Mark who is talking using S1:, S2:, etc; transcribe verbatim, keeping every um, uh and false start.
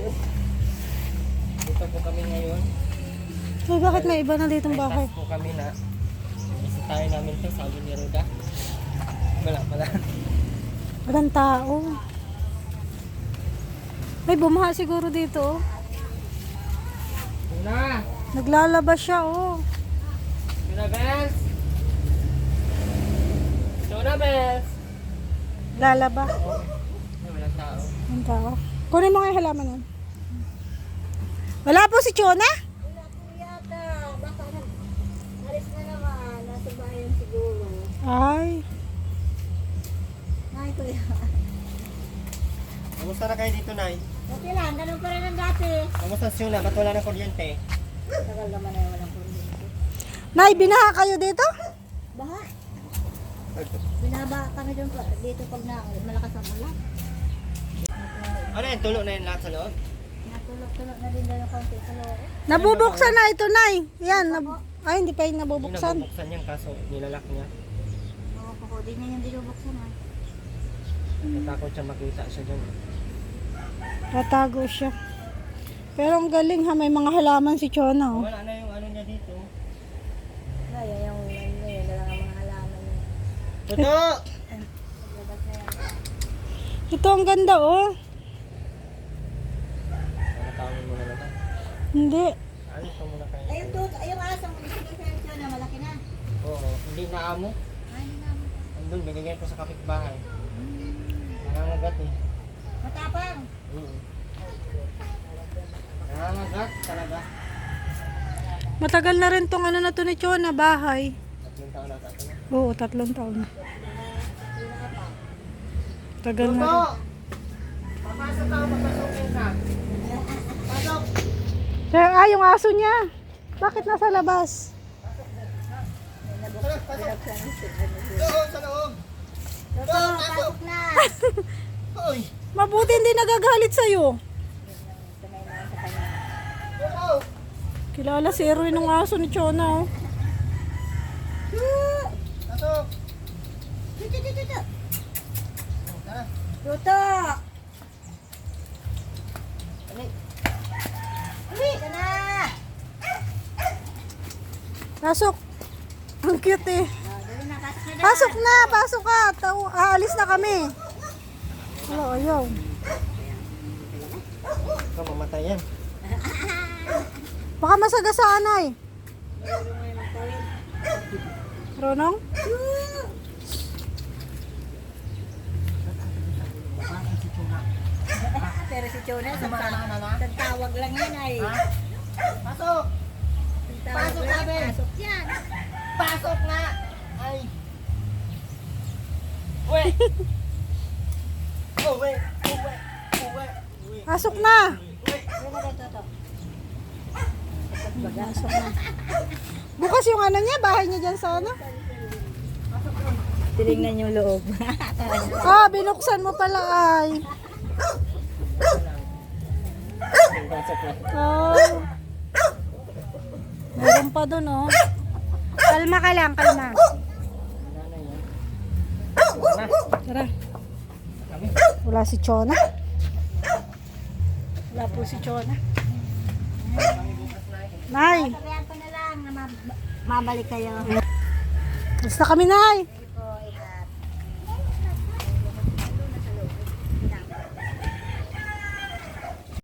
S1: Dito po kami ngayon.
S2: Ay, bakit may iba na ditong bahay?
S1: May task po kami na bisitahin namin to, sabi ni Roda. Wala pala.
S2: Walang tao. Ay, bumaha siguro dito, oh.
S1: Tuna!
S2: Naglalaba siya, oh.
S1: Tuna Bells! Tuna Bells!
S2: Lalaba.
S1: Ay, walang tao.
S2: Walang tao. Kunin mo nga yung halaman nun. Wala po si Chona?
S3: Wala po yata. Baka na, alis na naman. Nasa bayan siguro.
S2: Ay.
S3: Ay, kuya.
S1: Kamusta na kayo dito, Nay?
S3: Okay lang, ganun pa rin ang dati.
S1: Kamusta si Tuna? Ba't wala ng kuryente?
S3: Tagal naman na walang kuryente.
S2: Nay, binaha kayo dito?
S3: Baha. Binaba kami dun pa. Dito pag na, malakas ang ulan.
S1: Ano yan? Tulo na yan lahat sa loob?
S3: Natulog-tulog na din doon yung konti sa loob.
S2: Nabubuksan na ito, Nay. Yan. Nab- Ay, hindi pa yung
S1: Hindi
S2: nabubuksan.
S1: nabubuksan yan kaso nilalak niya.
S3: Oo, po, di niya yung binubuksan ah.
S1: Natakot siya makita siya dyan.
S2: Tatago siya. Pero ang galing ha, may mga halaman si Chona, oh.
S1: Wala na yung ano niya dito.
S3: Ay, yan yung, ano yun, na lang ang mga halaman niya.
S1: Toto!
S3: Labas na yan.
S2: Ito ang ganda, oh.
S1: Ano tawagin mo na naman?
S2: Hindi.
S1: Ano ka muna kayo?
S3: Ay, yung tuto, ay, yung asang sige sa ito na malaki na.
S1: Oo, hindi na amo.
S3: Ay, hindi naman.
S1: Andun, binigyan ko sa kapitbahay. Nangangagat eh.
S3: Matapang.
S1: Mm. Nangangagat talaga.
S2: Matagal na rin tong ano na to ni Chona, bahay.
S1: Tatlong taon na tato na.
S2: Oo, tatlong taon na. Tagal na
S1: Toto!
S2: rin.
S1: Papasok ako, papasukin ka. Pasok!
S2: Sir, ah, yung aso niya. Bakit nasa labas?
S1: Pasok, pasok! Loob, sa loob!
S3: Toto, pasok na.
S1: Hoy!
S2: Mabuti hindi nagagalit sa'yo.
S3: Sanay naman sa kanya.
S1: Loob!
S2: Kilala si Erwin ng aso ni Chona, oh.
S1: Pasok!
S3: Tuto, tuto, tuto.
S1: Tara!
S3: Tuto.
S1: Ano?
S3: Uwi ka na.
S2: Pasok. Ang cute, eh.
S3: Oh, dali na, pasok na.
S2: Pasok na, pasok ka. Taw- aalis na kami. Wala, ayaw.
S1: Ikaw mamatay yan.
S2: Baka masagasaan, ay. Ronong?
S3: Pero si Chona, sa tawag lang yan ay.
S1: Ha? Pasok!
S3: Tawag
S1: Pasok
S3: lang,
S1: namin.
S3: pasok yan.
S1: Pasok na! Ay! Uwe! Uwe! Uwe! Uwe! Uwe!
S2: Pasok na.
S1: Uwe!
S3: Uwi na rin, Toto.
S2: Pasok na. Bukas yung ano niya, bahay niya dyan sa ano.
S3: Tinignan yung loob.
S2: Ah, binuksan mo pala, ay.
S1: Pasok na.
S2: Oh. Meron pa dun, oh. Kalma ka lang, kalma.
S1: Nanay yan. Na!
S2: Tara.
S1: Kami.
S2: Wala si Chona. Wala po si Chona. Nay,
S3: Sabihan ko na lang na mab- mabalik kayo.
S2: basta kami, Nay.